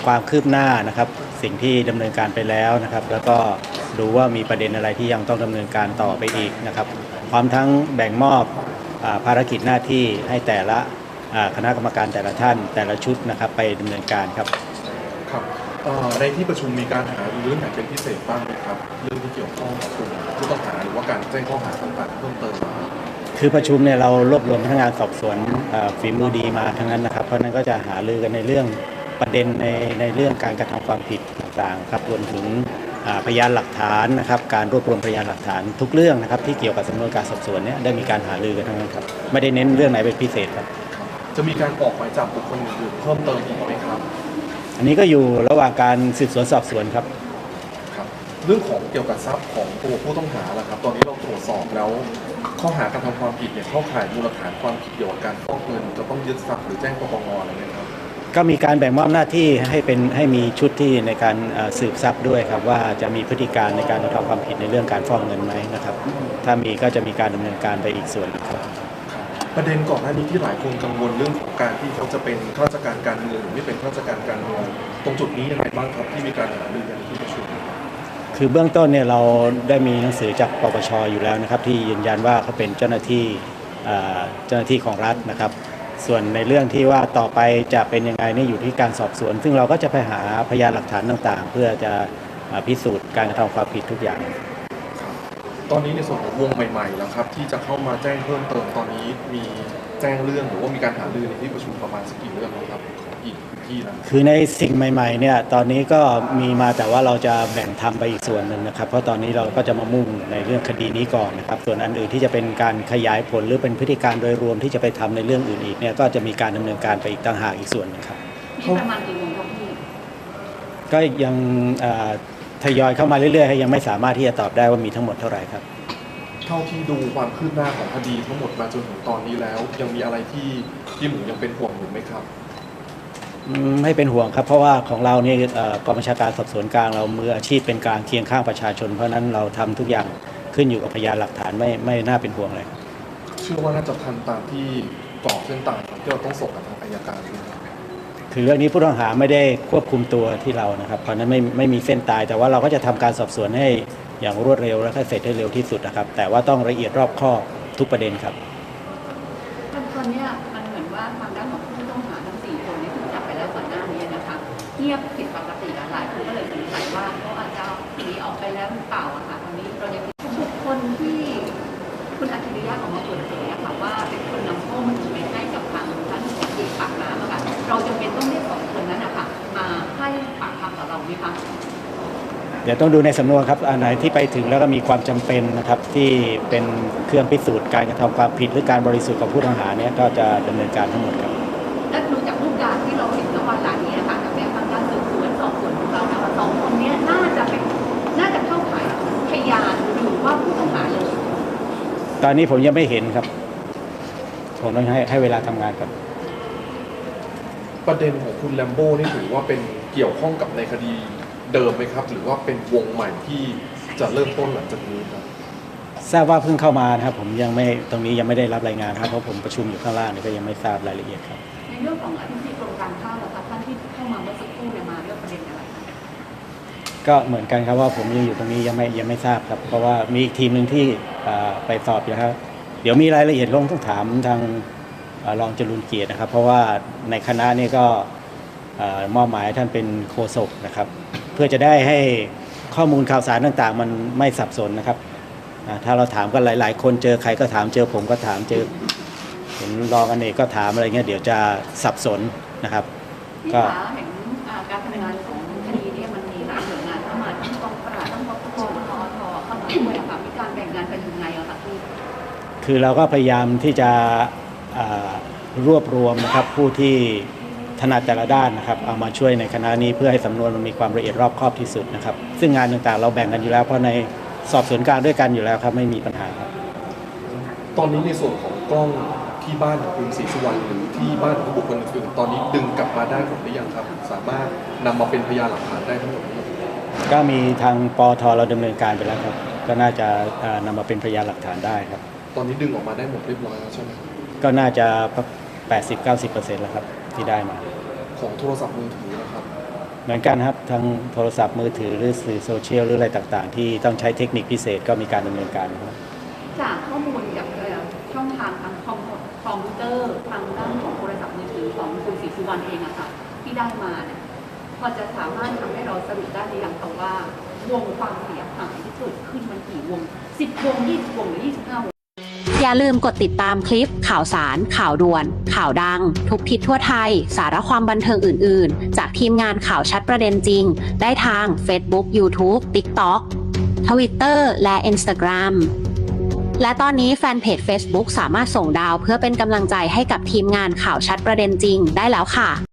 ความคืบหน้านะครับสิ่งที่ดำเนินการไปแล้วนะครับแล้วก็ดูว่ามีประเด็นอะไรที่ยังต้องดำเนินการต่อไปอีกนะครับพร้อมทั้งแบ่งมอบภารกิจหน้าที่ให้แต่ละคณะกรรมการแต่ละท่านแต่ละชุดนะครับไปดำเนินการครับครับในที่ประชุมมีการหารือเรื่องไหนเป็นพิเศษบ้างไหมครับเรื่องที่เกี่ยวข้องกับกลุ่มผู้ต้องหาหรือว่าการแจ้งข้อหาต่างๆเพิ่มเติมคือประชุมเนี่ยเรารวบรวมพนักงานสอบสวนฝีมือดีมาทั้งนั้นนะครับเพราะนั้นก็จะหารือกันในเรื่องประเด็นในเรื่องการกระทำความผิดต่างๆครับรวมถึงพยานหลักฐานนะครับการรวบรวมพยานหลักฐานทุกเรื่องนะครับที่เกี่ยวกับสำนวนการสอบสวนเนี่ยได้มีการหารือกันทั้งนั้นครับไม่ได้เน้นเรื่องไหนเป็นพิเศษครับจะมีการออกหมายจับบุคคลอื่นเพิ่มเติมอีกไหมครับอันนี้ก็อยู่ระหว่างการสืบสวนสอบสวนครับเรื่องของเกี่ยวกับทรัพย์ของตัวผู้ต้องหาล่ะครับตอนนี้เราตรวจสอบแล้วข้อหากระทำความผิดเนี่ยเข้าข่ายมูลฐานความผิดเกี่ยวกับการฟอกเงินจะต้องยึดทรัพย์หรือแจ้งปปงอะไรไหมครับก็มีการแบ่งมอบหน้าที่ให้มีชุดที่ในการสืบทรัพย์ด้วยครับว่าจะมีพฤติการในการกระทำความผิดในเรื่องการฟอกเงินไหมนะครับถ้ามีก็จะมีการดำเนินการไปอีกส่วนครับประเด็นก่อนหน้านี้ที่หลายคนกังวลเรื่องของการที่เขาจะเป็นข้าราชการการเมืองหรือไม่เป็นข้าราชการการเมืองตรงจุดนี้ยังไงบ้างครับที่มีการหารือกันที่ประชุมคือเบื้องต้นเนี่ยเราได้มีหนังสือจากปปชอยู่แล้วนะครับที่ยืนยันว่าเขาเป็นเจ้าหน้าที่ของรัฐนะครับส่วนในเรื่องที่ว่าต่อไปจะเป็นยังไงนี่อยู่ที่การสอบสวนซึ่งเราก็จะไปหาพยานหลักฐานต่างๆเพื่อจะพิสูจน์การกระทำความผิดทุกอย่างตอนนี้ในส่วนของวงใหม่ๆแล้วครับที่จะเข้ามาแจ้งเพิ่มเติมตอนนี้มีแจ้งเรื่องหรือว่ามีการหารือในที่ประชุมประมาณสักกี่เรื่องครับของอีกที่นะคือในสิ่งใหม่ๆเนี่ยตอนนี้ก็มีมาแต่ว่าเราจะแบ่งทำไปอีกส่วนหนึ่งนะครับเพราะตอนนี้เราก็จะมามุ่งในเรื่องคดีนี้ก่อนนะครับส่วนอันอื่นที่จะเป็นการขยายผลหรือเป็นพฤติการโดยรวมที่จะไปทำในเรื่องอื่นอีกเนี่ยก็จะมีการดำเนินการไปอีกต่างหากอีกส่วนนึงครับมีประมาณกี่วงครับพี่ก็ยังทยอยเข้ามาเรื่อยๆยังไม่สามารถที่จะตอบได้ว่ามีทั้งหมดเท่าไหร่ครับเท่าที่ดูความคืบหน้าของคดีทั้งหมดมาจนถึงตอนนี้แล้วยังมีอะไรที่หมูยังเป็นห่วงอยู่ไหมครับไม่เป็นห่วงครับเพราะว่าของเราเนี่ยกองบัญชาการสอบสวนกลางเรามืออาชีพเป็นกลางเคียงข้างประชาชนเพราะนั้นเราทำทุกอย่างขึ้นอยู่กับพยานหลักฐานไม่น่าเป็นห่วงเลยเชื่อว่าน่าจะทันตามที่กรอบเส้นตายที่เราต้องส่งกับทางอัยการด้วยคือเรื่องนี้ผู้ต้องหาไม่ได้ควบคุมตัวที่เรานะครับเพราะนั้นไม่มีเส้นตายแต่ว่าเราก็จะทำการสอบสวนให้อย่างรวดเร็วและก็เสร็จให้เร็วที่สุดนะครับแต่ว่าต้องละเอียดรอบคอบทุกประเด็นครับตอนนี้มันเหมือนว่าทางด้านของผู้ต้องหาทั้ง4คนที่ถูกจับไปแล้วก่อนหน้านี้นะคะเงียบผิดปกติหลายคนก็เลยสงสัยว่าเขาอาจจะหนีออกไปแล้วหรือเปล่าอะค่ะตอนนี้เรายังบุคคลที่คุณอัจฉริยะออกมาเปิดเผยอะค่ะว่าเป็นคนนำข้อมูลไปให้กับทางท่านหัวหน้าปากน้ำอะค่ะเราจำเป็นต้องเรียก2คนนั้นอะค่ะมาให้ปากคำกับเราไหมคะเดี๋ยวต้องดูในสำนวนครับอันไหนที่ไปถึงแล้วก็มีความจำเป็นนะครับที่เป็นเครื่องพิสูจน์การกระทำความผิดหรือการบริสุทธิ์ของผู้ต้องหาเนี่ยก็จะดำเนินการทั้งหมดครับและดูจากรูปการที่เราเห็นณวันนี้นะคะจากแนวทางการสืบสวนสอบสวนของเรานะคะ2คนนี้น่าจะเข้าข่ายพยานหรือว่าผู้ต้องหาเลยตอนนี้ผมยังไม่เห็นครับผมต้องให้เวลาทำงานครับประเด็นของคุณแลมโบ้นี่ถือว่าเป็นเกี่ยวข้องกับในคดีเดิมไหมครับหรือว่าเป็นวงใหม่ที่จะเริ่มต้นหลังจากนี้ครับทราบว่าเพิ่งเข้ามานะครับผมยังไม่ตรงนี้ยังไม่ได้รับรายงานครับเพราะผมประชุมอยู่ข้างล่างนี่ก็ยังไม่ทราบรายละเอียดครับในเรื่องของอธิบดีกรมการข้าวนะคะท่านที่เข้ามาเมื่อสักครู่เนี่ยมาเรื่องประเด็นอะไรคะก็เหมือนกันครับว่าผมยังอยู่ตรงนี้ยังไม่ทราบครับเพราะว่ามีอีกทีมหนึ่งที่ไปสอบอยู่ครับเดี๋ยวมีรายละเอียดต้องถามทางรองจรูญเกียรตินะครับเพราะว่าในคณะนี้ก็มอบหมายท่านเป็นโฆษกนะครับเพื่อจะได้ให้ข้อมูลข่าวสารต่างๆมันไม่สับสนนะครับถ้าเราถามกันหลายๆคนเจอใครก็ถามเจอผมก็ถามเจอเห็นรองอเนกก็ถามอะไรเงี้ยเดี๋ยวจะสับสนนะครับก็เห็นการทำงานของคดีนี้มันมีหลายหน่วยงานเข้ามาทั้งกองปราบทั้งปปชปตทเข้ามาด้วยค่ะมีการแบ่งงานกันยังไงอะคะพี่คือเราก็พยายามที่จะรวบรวมนะครับผู้ที่ถนัดแต่ละด้านนะครับเอามาช่วยในคณะนี้เพื่อให้สำนวนมันมีความละเอียดรอบคอบที่สุดนะครับซึ่งงานต่างๆเราแบ่งกันอยู่แล้วเพราะในสอบสวนกลางด้วยกันอยู่แล้วครับไม่มีปัญหาครับตอนนี้ในส่วนของกล้องที่บ้านของคุณศรีสุวรรณหรือที่บ้านของบุคคลอื่นๆตอนนี้ดึงกลับมาได้หมดหรือยังครับสามารถนำมาเป็นพยานหลักฐานได้ทั้งหมดก็มีทางปทเราดำเนินการไปแล้วครับก็น่าจะนำมาเป็นพยานหลักฐานได้ครับตอนนี้ดึงออกมาได้หมดเรียบร้อยแล้วใช่ไหมก็น่าจะ80-90%แล้วครับที่ได้มาของโทรศัพท์มือถือนะครับเหมือนกันครับทางโทรศัพท์มือถือหรือสื่อโซเชียลหรืออะไรต่างๆ ที่ต้องใช้เทคนิคพิเศษก็มีการดำเนินการครับจากข้อมูลจากช่องทางทางคอมพิวเตอร์ทางด้านของโทรศัพท์มือถือของคุณศรีสุวรรณเองอะค่ะที่ได้มาเนี่ยพอจะสามารถทำให้เราสรุปได้หรือยังคะว่าวงความเสียหายที่เกิดขึ้นมันกี่วง10 วง 20 วงหรือ 25 วงอย่าลืมกดติดตามคลิปข่าวสาร ข่าวด่วน ข่าวดัง ทุกทิศทั่วไทย สาระความบันเทิงอื่น ๆ จากทีมงานข่าวชัดประเด็นจริง ได้ทาง Facebook YouTube TikTok Twitter และ Instagram และตอนนี้แฟนเพจ Facebook สามารถส่งดาวเพื่อเป็นกำลังใจให้กับทีมงานข่าวชัดประเด็นจริงได้แล้วค่ะ